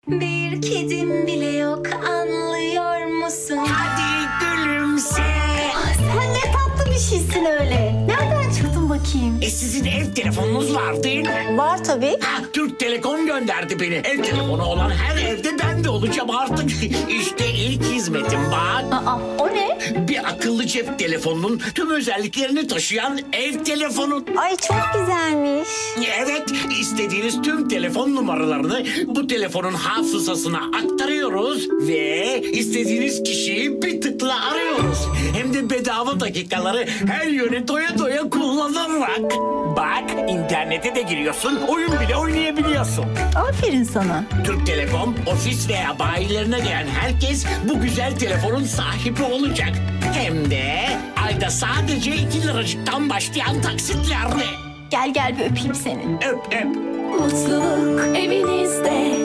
Bir kedim bile yok, anlıyor musun? Hadi gülümse. Sen ne tatlı bir şeysin öyle. Nereden çıktın bakayım? Sizin ev telefonunuz var değil mi? Var tabii. Ha, Türk Telekom gönderdi beni. Ev telefonu olan her evde ben de olacağım artık. İşte ilk hizmetim bak. Aa, o ne? Bir akıllı cep telefonunun tüm özelliklerini taşıyan ev telefonu. Ay çok güzelmiş. Evet, istediğiniz tüm telefon numaralarını bu telefonun hafızasına aktarıyoruz ve istediğiniz kişiyi bir tıkla arıyoruz. Hem de bedava dakikaları her yöne doya doya kullanarak. Bak, internete de giriyorsun, oyun bile oynayabiliyorsun. Aferin sana. Türk Telekom, ofis veya bayilerine gelen herkes bu güzel telefonun sahibi olacak. Hem de ayda sadece 2 liracıktan başlayan taksitlerle. Gel gel bir öpeyim seni. Öp öp. Mutluluk evinizde.